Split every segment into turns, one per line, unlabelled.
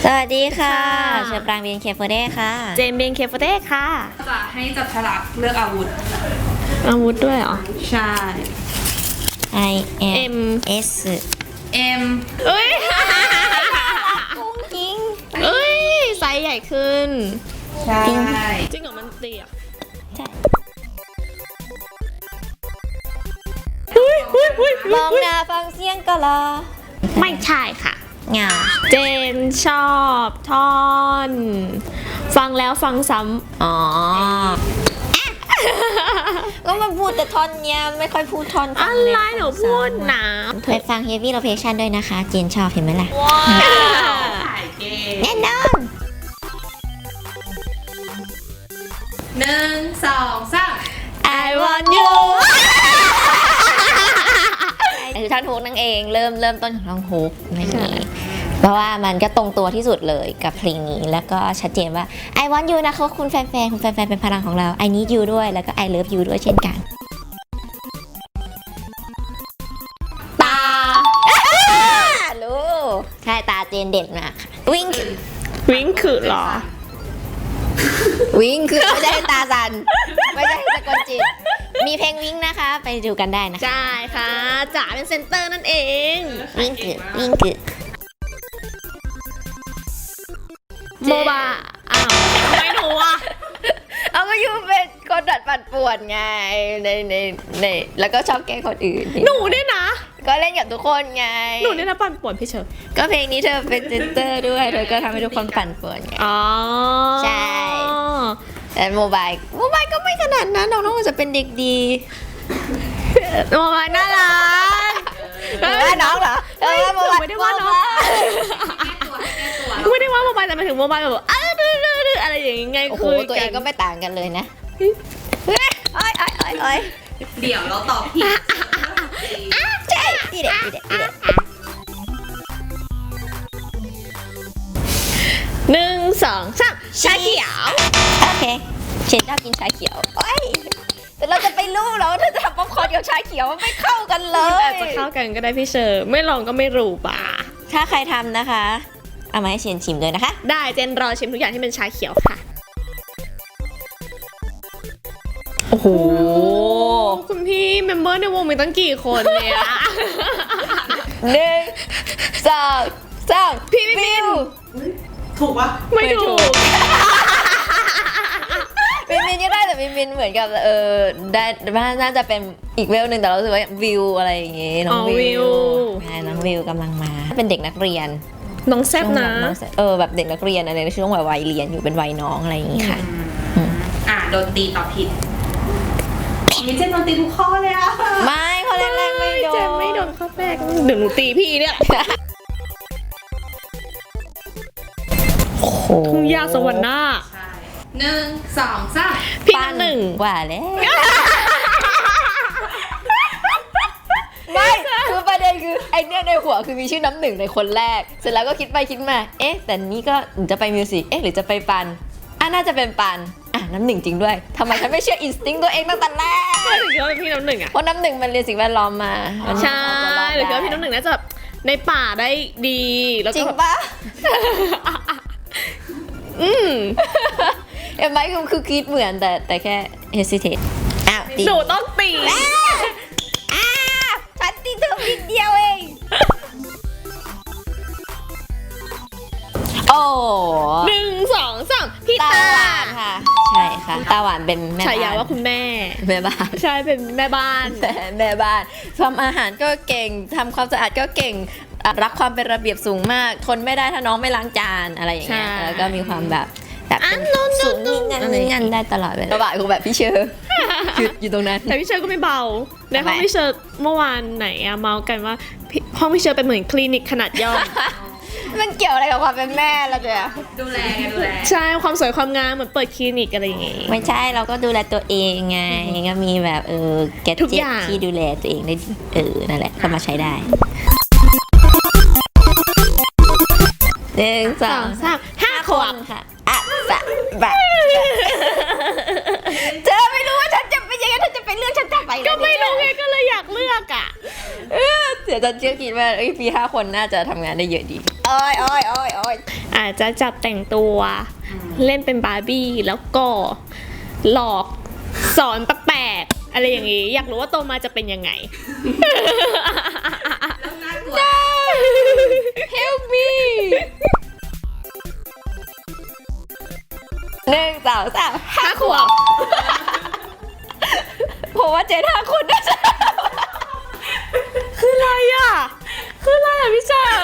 สวัสดีค่ะเชอปรางเบียนเคฟเดค่ะ
เจมเบียนเคฟเดค่ะ
จะให้จับฉลากเลือกอาวุธ
ด้วยเหรอ
ใช่
I M S
M
เอ้ย
กุ้งกิ้ง
เอ้ยไซส์ใหญ่ขึ้น
ใช่
จริงเหรอมันเตี้ย
ใช่ มองหน้าฟังเสียงก็รอ
ไม่ใช่ค่ะ
เหงา
เจนชอบท่อน ฟังแล้วฟังซ้ำ
อ๋อก็มาพูดแต่ท่อนเนี้ยไม่ค่อยพูดท่อนฟั
อะ
งเลย
ไรหนูพูดนะ
ไปฟัง Heavy Rotation ด้วยนะคะเจนชอบเห็นไหมล่ะ
ถ่ายเกม
แน่นอน
1 2 3
I want you คือท่อนฮุกนั่นเองเริ่มต้นของท่อนฮุกนั่นเองเพราะว่ามันก็ตรงตัวที่สุดเลยกับเพลงนี้แล้วก็ชัดเจนว่า I want you นะคะคุณแฟนๆเป็นพลังของเรา I need you ด้วยแล้วก็ I love you ด้วยเช่นกันตารู้ใช่ตาเจนเด่นมากวิ่ง
วิ่งคือเหรอ
วิ่งคือไม่ใช่ตาสันไม่ใช่สะกดจิตมีเพลงวิ่งนะคะไปดูกันได้นะคะ
ใช่ค่ะจ๋าเป็นเซนเตอร์นั่นเอง
วิ่งคือ
โมบาอ้าวไม่รู้อ่ะ
เอาก็ยูเป็นคนดัดปั่นป่วนไงในแล้วก็ชอบแกล้งคนอื่น
หนูเนี่ยนะ
ก็เล่นกับทุกคนไง
หนูเนี่ยนะปั่นป่วนพี่เชอร์
ก็เพลงนี้เธอเป็นเซนเตอร์ด้วยเธอก็ทำให้ทุกคนปั่นป่วนไง
อ๋อ
ใช่ แต่โมบายก็ไม่ขนาดนั้นน้องๆจะเป็นเด็กดี
โมบายน่ารัก
หรือว่าน้องเหรอโมบาย
ไม่ได้ว่าน้องไม่ได้ว่าโมบายแต่หมายถึงโมบายแบบอะไรอย่างงี้ไง
โอ้โห
คุย
ตัวเองก็ไม่ต่างกันเลยนะโอ้ย
เดี๋ยวเราตอบผิด
ใช่ดีเด็ด
1 2 3ชาเขียว
โอเคเชนชอบกินชาเขียวโอ้ยแต่เราจะไปรู้เหรอว่าเธอจะทำป๊อปคอร์นกับชาเขียวมันไม่เข้ากันเล
มัน
ย
อาจจะเข้ากันก็ได้พี่เชอร์ไม่ลองก็ไม่รู้ป่ะ
ถ้าใครทำนะคะเอามาให้เชนชิมด้วยนะคะ
ได้เจนรอชิมทุกอย่างที่เป็นชาเขียวค่ะ
โอ้โห
คุณพี่เมมเบอร์ในวงมีตั้งกี่คนเนี่ย
1 2 3พี่บิว
ถูกปะ
ไม่ถูก
มินก็ได้แต่มินเหมือนกับได้น่าจะเป็นอีกเวลหนึ่งแต่เรารู้สึกว่าวิวอะไรอย่างงี้น้องวิวใช่น้องวิวกำลังมาเป็นเด็กนักเรียน
น้องแซบนะ
แบบเด็กนักเรียนอะไรในช่วงวัยเรียนอยู่เป็นวัยน้องอะไรอย่างงี้ค่ะ
โดนตีตอบผิดมีเจนโดนตีทุกข้อเลยอะ
ไม่เขาแรกๆไม่โดน
เจนไม่โดนข้อแรกเดี๋ยวหนูตีพี่เนี่ย
โอ้โห
ทุ่งหญ้าสวรรค์หน้า
ใช่1 2 3
พี่น้ำหนึ่ง
กว่าแล้วไม่คือประเด็นคือไอเนี้ยในหัวคือมีชื่อน้ำหนึ่งในคนแรกเสร็จแล้วก็คิดไปคิดมาแต่นี้ก็จะไปมิวสิกหรือจะไปปันน่าจะเป็นปันน้ำหนึ่งจริงด้วยทำไมฉันไม่เชื่ออินสติ้งตัวเองตั้งแต่แรก
หรือคิดว่าเป็นพี่น้ำหนึ่งอ่ะ
เพราะน้ำหนึ่งมันเรียนสิ่งแวดล้อมมามัน
ใช่
จะรอด
หรือคิดว่า
ได้
พี่น้ำหนึ่งน่าจะแบบในป่าได้ดีแล้ว
จริ
ก็
ง
แบบ
ปะ
อืม
เอ็มไมค์คือคิดเหมือนแต่แค่ hesitate ตี
หนูต้องตี
ฉันตีเธอนิดเดียวเองโอ้
1 2 3พี่
ตา
ตา
หวานค่ะ ใช่ค่ะตาหวานเป็นแม่
ฉายา
บ้าน
ว่าคุณแม่
แม่บ้าน
ใช่เป็นแม่บ้าน
แม่บ้านทำอาหารก็เก่งทำความสะอาดก็เก่งรักความเป็นระเบียบสูงมากทนไม่ได้ถ้าน้องไม่ล้างจานอะไรอย่างเงี้ย
ใช่
แล้วก็มีความแบบเป็น
นู่น
สูงนี่งันได้ตลอดเวลาบ่ายคือแบบพี่เชอร์อยู่ตรงนั้น
แต่พี่เชอร์ก็ไม่เบาในห้อง
ทำไม
พี่เชอร์เมื่อวานไหนอะเมากันว่าห้องพี่เชอร์เป็นเหมือนคลินิกขนาดย่อม
มันเกี่ยวอะไรกับความเป็นแม่ล่ะเจ๊
ดูแลไงดูแล
ใช่ความสวยความงามเหมือนเปิดคลินิกอะไรอย่างงี้
ไม่ใช่เราก็ดูแลตัวเองไงก็มีแบบแก
ทุก
จิ
อย่าง
ที่ดูแลตัวเองได้นั่นแหละก็มาใช้ได้1 2 3
5 ขวบ
ค่ะแบบเธอไม่รู้ว่าฉันจะเป็นยังไงเธอจะไปเลือกฉันจะไป
ก็ไม่รู้ไงก็เลยอยากเลือกอ่ะ
เดี๋ยวจะเชื่อคิดว่าพี่5 คนน่าจะทำงานได้เยอะดีโอ้ย
อาจจะจับแต่งตัวเล่นเป็นบาร์บี้แล้วก็หลอกสอนแปลกๆอะไรอย่างงี้ อยากรู้ว่าโตมาจะเป็นยังไง
แล้วน่ากลัว
Help me 1 2 3
5 ขวบ
ผมว่าเจน5 คนน่าจะ
คืออะไรอ่ะ คืออะไรอ่ะพี่เจอ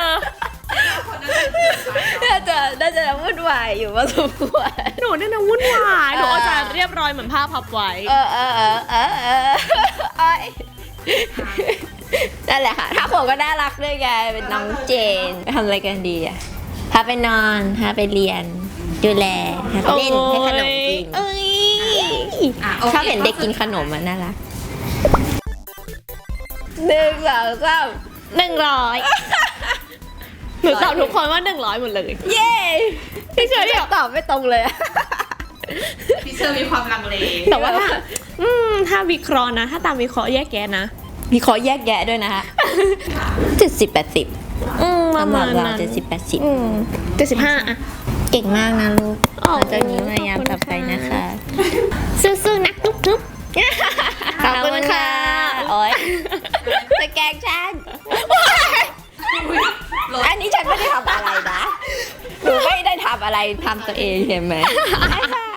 น่าจะวุ่นวายอยู่พอสมควร
หนูเนี่ยนะวุ่นวายหนูอาจจะเรียบร้อยเหมือนผ้าพับไว้
เอ้ยนั่นแหละค่ะถ้าผมก็น่ารักด้วยไงเป็นน้องเจนไปทำอะไรกันดีอะพาไปนอนพาไปเรียน ดูแลพาไปเล่นให้ขนมกิน
เอ้ย
โอค
ชอบเห็นเด็กกินขนมมันน่ารัก1 2 3
100หนูตอบทุกคนว่า100หมดเลย
เย้
พี่เชอรี่
ตอบไม่ตรงเลยอะ
พี่เชอร์มีความลังเล
แต่ว่าถ้าวิเคราะห์นะ ถ้าตามวิเคราะห์แยกแยะนะ
มีขอแยกแยะด้วยนะฮะ70-80
ประมาณนั้น
70-80
75อ่ะ
เก่งมากนะลูก
โอ้
เราจะมีพยายามต่อไปนะคะ
สู้ๆนะทุบ
ขอบคุณค่ะ โอ๊ยจะแกล้งฉัน อันนี้ฉันไม่ได้ทำอะไรนะ หนูไม่ได้ทำอะไรทำตัวเองเห็นไหมบ๊ายบาย